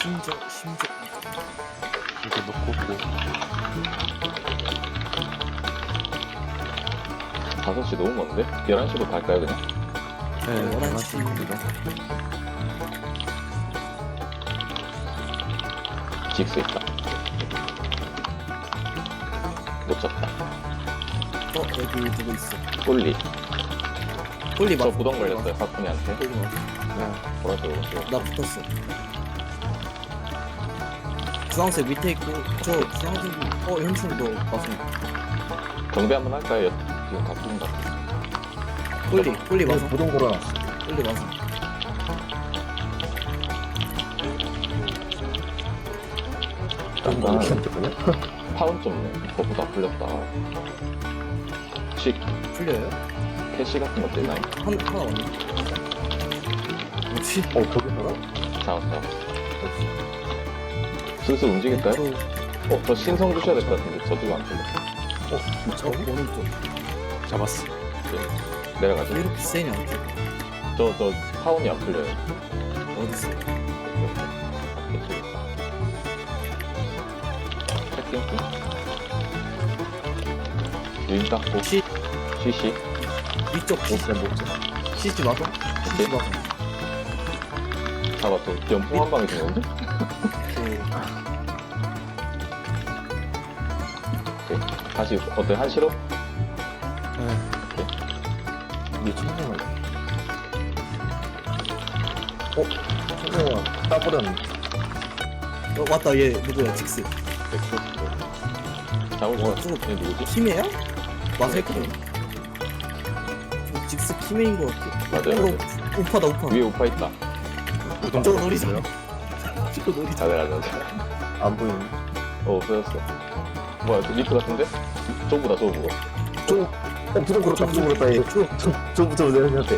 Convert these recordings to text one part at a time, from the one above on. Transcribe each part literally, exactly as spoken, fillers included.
심적 심적 이거 놓고 고 다섯 시 너무 먼데? 열한 시로 갈까요 그냥? 네, 열한 시. 맞습니다. 직스 있다. 놓쳤다. 어 여기 누구 있어? 꼴리. 꼴리 저 맞아. 부동 걸렸어요 사쿠니한테. 꼴리 맞아. 보라색 오른쪽. 나 붙었어. 주황색 밑에 있고 저 주황색이 어 현충도 맞아. 정비 한번 할까요? 지금 다 죽은 것 같아. 꼴리 꼴리 맞아. 부동 걸어놨어. 꼴리 맞아. 난 괜찮거든요? 파운 좀 그거보다 풀렸다. 혹시 풀려요? 캐시 같은 거 되나요? 한 하나 왔네. 뭐지? 어, 저기 살아? 잡았어 잡았어. 슬슬 움직일까요? 저, 어, 저 신성 주셔야 될 것 같은데 저도 안 풀렸어. 저 오른쪽. 잡았어. 내려가죠. 왜 이렇게 세냐? 저, 저 파운이 안 풀려요. 어딨어? 체킹. 유인 닦고. 시 쉬쉬. 위쪽 못해, 못해. 시지 맞아? 시지 맞아. 잡았어. 연풍 한 방에 들어오는데? 그 오케이. 다시, 어때? 한시로? 네. 이게 천생을. 어? 천생을 따버렸는데. 어 맞다 얘 누구야 직스. 잡을 것 어, 같아. 저거 얘 누구지? 키메야? 맞아 했거든. 저 직스 키메인 거 같아. 맞아요, 어, 맞아요. 우파다 우파. 위에 우파 있다. 부동 저거 걸어놨어요? 노리자. 저거 노리자. 가자, 가자, 가자. 안 보이네. 어, 없어졌어. 뭐야, 저 리프 같은데? 저거보다 저거. 저, 어, 부동 걸었다, 부동 걸었다, 얘. 저, 저, 저부터 내려한테.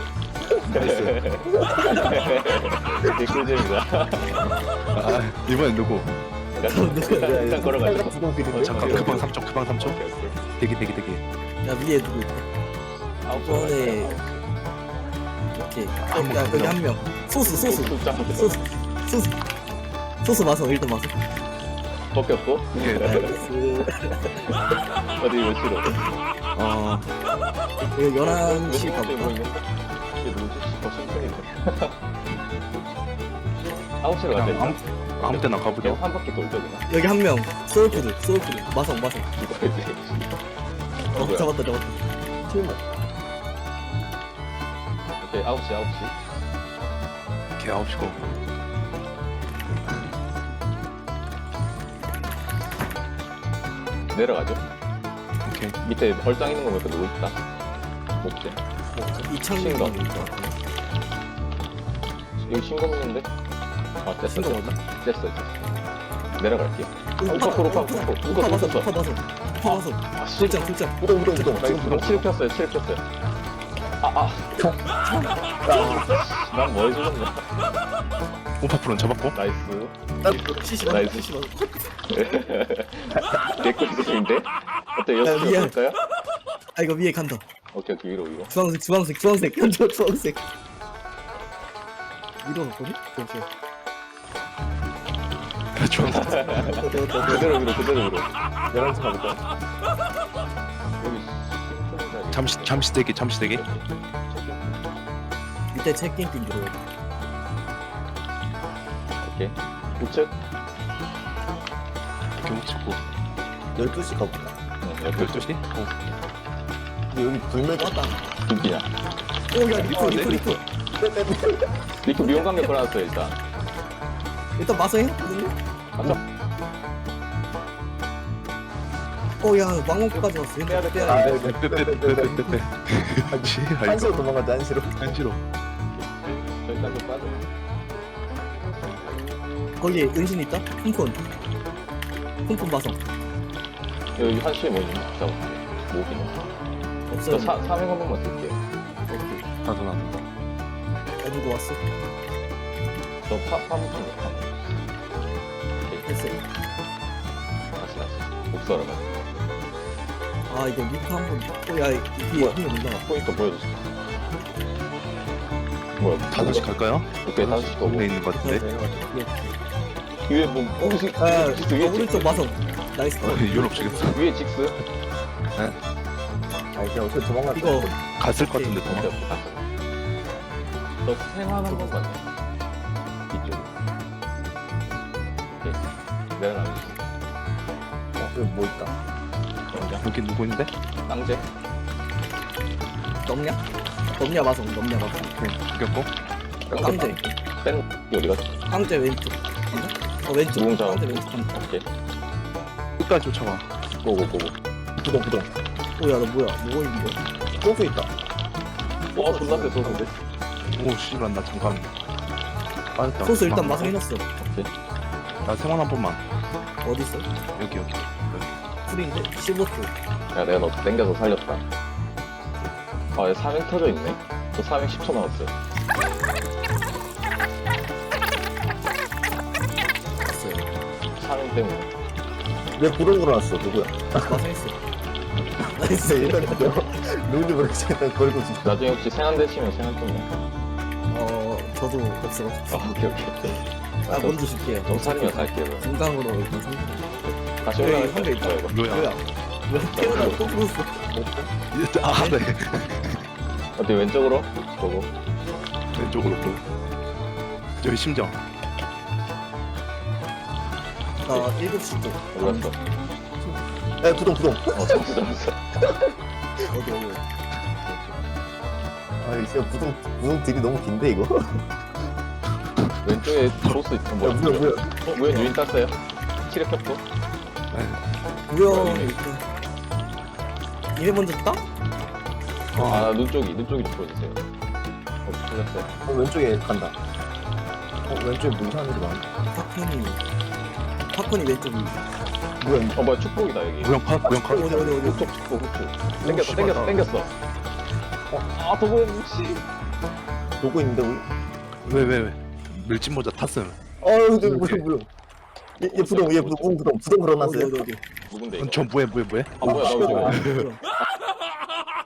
되게 꿀잼이다. 아, 이번엔 누구? 일단 걸어가자. 부동 비린데? 어, 잠깐, 오케이, 급방 오케이. 삼 초, 급방 삼 초. 오케이, 오케이. 대기, 대기, 대기. 야 위에 누구 있다. 아홉 이번에 오케이. 어, 야 여기 한 명. 소스 소스 숫자 소스 소스 소스 마서 일단 마서. 벗겼고 이게 나이스. 어디 몇 시로? 어 이거 열한 시 몇 가볼까? 보이는데? 이게 누구지? 어, 신선이네. 아홉 시로 그냥 가자. 아무, 아무 때나 그냥 가보죠. 한 바퀴 돌자 그냥. 여기 한 명. 소울푸드 소울푸드 마성 마성. 이거지. 어 누구야? 잡았다 잡았다. 팀 오케이 아홉 시 아홉 시. 걔 아홉 시고. 내려가죠. 오케이. 밑에 벌장 있는 거 보니까 누구 있다. 목재. 이창민 신검. 있는 것 같아. 여기 신검 있는데? 아 됐어 신검 됐어. 어디? 됐어 됐어. 내려갈게. 우파 우파, 우파, 우파. 우파 우파 마서 떴어. 우파 마서 우파 마서. 아 씨. 출장 출장. 부동, 부동, 부동. 나 지금 이거 부동. 칠 켰어요 칠 켰어요. 아아. 난뭐 해주는데? 오파프론 잡았고. 나이스. 시시 마서 나이스. 시시 마서. 개꿀잼인데? 어때 야, 여섯 시 미안. 볼까요? 아 이거 위에 간다. 오케이 오케이 위로 위로. 주황색 주황색 주황색 현재 주황색. 위로 갔거든? 오케이. 주황색. 그대로 위로 그대로 위로. 열한 시 가볼까? 여기 신촌이다. 잠시, 잠시 대기, 잠시 대기. 밑에 체킹 핀 들어. 오케이. 우측. 경고 찍고. 열두 시 가볼까? 응, 여기 열두 시? 어. 근데 여기 불멸 왔다. 두기냐. 오야 리프 리프 리프. 리프 미용 간격 걸어놨어요 일단. 일단 마서 해놨거든요. 맞죠? 어야 망원까지 왔어. 빼야 돼, 빼야 아, 돼. 네, 네, 네, 네, 네, 네. 빼빼빼빼빼빼. 한시, 한시로 도망가자, 한시로. 한시로. 저 일단 좀 빠져. 거기에 은신 있다. 푼푼. 푼푼 마서. 여기 한 시에 뭐 있는 거 잡을게. 모기는. 없어요. 저 사, 삼행 한 번만 쓸게요. 오케이. 나도, 나도. 야 누구 왔어? 저 파, 파묻힌 거 파. 오케이. 됐어요. 다시 다시. 복수하러 가자. 아 이거 리프 한번. 어야 위에 뭐야? 한명 올라가. 포인트 보여주세요. 뭐야? 다섯 시 갈까요? 오케이 다섯 시 거고. 동네 있는 것 같은데. 네. 위에 뭐 어, 혹시 아, 직스 위에 오른쪽 마성. 나이스. 유럽 주겠어. 직스 위에 직스 아니 그냥 어차피 도망갈 이거 갔을 것 같은데 도망. 오케이 갔어 너 생활 한번 봤네 이쪽 오케이 내가 나오지 어 여기 뭐 있다. 여기 누구 있는데? 땅제 넘냐? 넘냐 마성. 넘냐 마성. 오케이 죽였고. 깡제. 뺀 어디 갔어? 깡제 왼쪽. 어 왼쪽. 무공장. 깡제 왼쪽. 깡제. 오케이 끝까지 쫓아가. 고고 고고 부동 부동. 오야 너 뭐야? 뭐가 있는 거야? 소스 있다. 와 존나 세 소스인데 오 씨발 나 잠깐. 빠졌다. 소스 일단 아, 마성 해놨어. 나 생활 한 번만. 어디 있어? 여기 여기. 풀인데 십오 초. 야 내가 너 땡겨서 살렸다 아얘 사행 터져 있네 저 사행 십 초 나왔어요 됐어요. 사행 때문에 왜 부동 걸어놨어 누구야? 마성 했어. 나이스. 일단 누군지 모르겠지 일단 걸고 있어. 나중에 혹시 생한대 치면 생한 좀 어 저도 없어. 아 오케이 오케이 아 먼저 줄게요. 좀 살면 살게요 그럼. 중강으로 일단 상. 다시 여기 올라갈 한개 때 있다. 뭐야 이거 뭐야? 뭐야? 왜 태어나 또 풀었어? 아 네. 어때 왼쪽으로? 보고 왼쪽으로 또. 저기 심정. 나 일곱 시 쪽. 어디 갔어? 에 부동 부동. 어 잡았어 잡았어 어디 어디. 아 진짜 부동 부동 딜이 너무 긴데 이거. 왼쪽에 소스 있어 야 뭐야 뭐야 뭐야. 어? 왜 유인 땄어요? 치력 켰고 뭐야? 일단. 얘네 먼저 따? 아 눈 쪽이 눈 쪽이 좀 보여주세요 어 틀렸어요 어 왼쪽에 간다. 어 왼쪽에 뭐 이상한 일이 많아. 파콘이. 파콘이 왼쪽이. 뭐야 이거. 어 뭐야 축복이다 여기 모형 파 모형 파. 어디 어디 어디. 후속 축복 후축 땡겼어 씨발, 땡겼어 나- 땡겼어 아 도보에 묵시 보고 있는데 우리. 왜왜 왜? 밀짚 모자 탔음. 어우 저 뭐야 뭐야. 얘, 얘 부동 얘 부동 부동 부동 부동 어디 걸어놨어요. 어디 어디. 누군데 이거 저 뭐해 뭐해 뭐해? 아 뭐야 나 왜? 뭐야?